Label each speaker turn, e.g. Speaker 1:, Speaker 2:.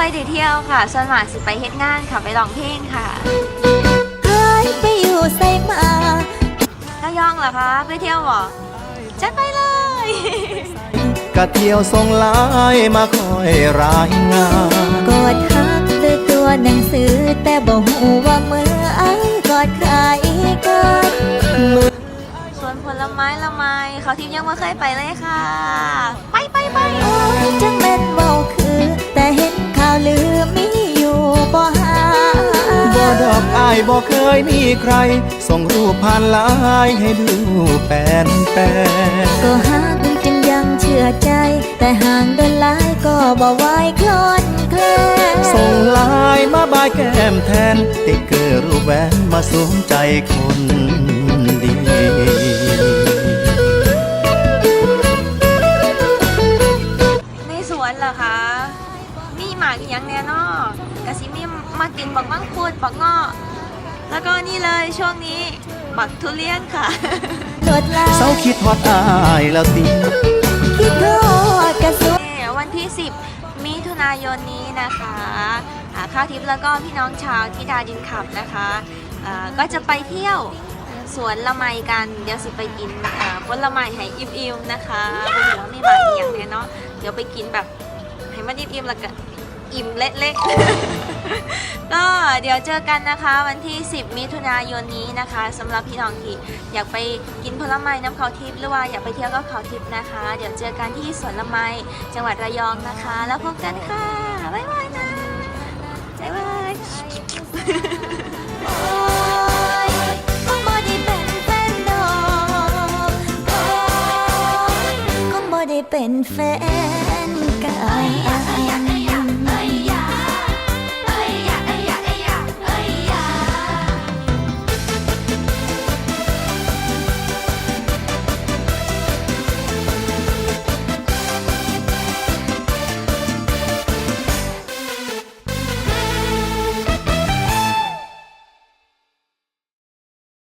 Speaker 1: อยได้เที่ยวค่ะส่วนมากสิไปเฮ็ดงานค่ะไปร้องเพลงค่ะ
Speaker 2: หายไปอยู่ไสมา
Speaker 1: ระยองเหรอคะไปเที่ยวเหรอจัดไปเลย
Speaker 3: กะเที่ยวส่งไลน์มาคอยรายงาน
Speaker 2: กอดฮักด้วยตัวหนังสือแต่บ่ฮู้ว่ามืออ้ายกอดใครกัน
Speaker 1: สวนผลไม้ละไมเขาทิพย์ยังไม่เคยไปเลยค่ะ ไป
Speaker 2: โอ้ยจังแม่นเว้าคือแต่เห็นข่าวลือมีอยู่บ่หา
Speaker 3: บ่ดอกอายบ่เคยมีใคร ส่งรูปผ่านไลน์ให้ดูแปน
Speaker 2: ก็ฮักจึงยังเชื่อใจ แต่ห่างเดินหลายก็บ่ไหวคลอนแคลน
Speaker 3: ส่งไลน์มาบายแก้มแทน ติ๊กเกอร์รูปแหวนมาสวมใจคนดี
Speaker 1: ในสวนเหรอคะมีหมากอีหยังแน่นอกะสิมีมากินบักมังคุดบักเงาะแล้วก็นี่เลยช่วงนี้บักทุเรียนค่ะ
Speaker 2: โดดลา
Speaker 3: เศร้าคิดฮอดอายแล้วติ
Speaker 2: คิดโทษกระสุน
Speaker 1: วันที่ 10 มิถุนายนนี้นะคะข้าวทิพย์แล้วก็พี่น้องชาวทิดาดินขับนะคะก็จะไปเที่ยวสวนละไมกัน เดี๋ยวสิไปกินผลไม้ให้อิ่มๆนะคะบนหัวไม่มาอีกอย่างเนี่ยเนาะเดี๋ยวไปกินแบบให้มันอิ่มๆแล้วก็อิ่มเละๆ ก็เดี๋ยวเจอกันนะคะวันที่ 10 มิถุนายนนี้นะคะสำหรับพี่น้องที่อยากไปกินผลไม้น้ำเขาทิพย์หรือว่าอยากไปเที่ยวก็เขาทิพย์นะคะ เดี๋ยวเจอกันที่สวนละไมจังหวัดระยองนะคะ แล้วพบกันค่ะบ๊ายบายนะบ๊ายบาย
Speaker 2: โอ้ยคงบ่ได้เป็นแฟนดอกโอ้ยคงบ่ได้เป็นแฟนกัน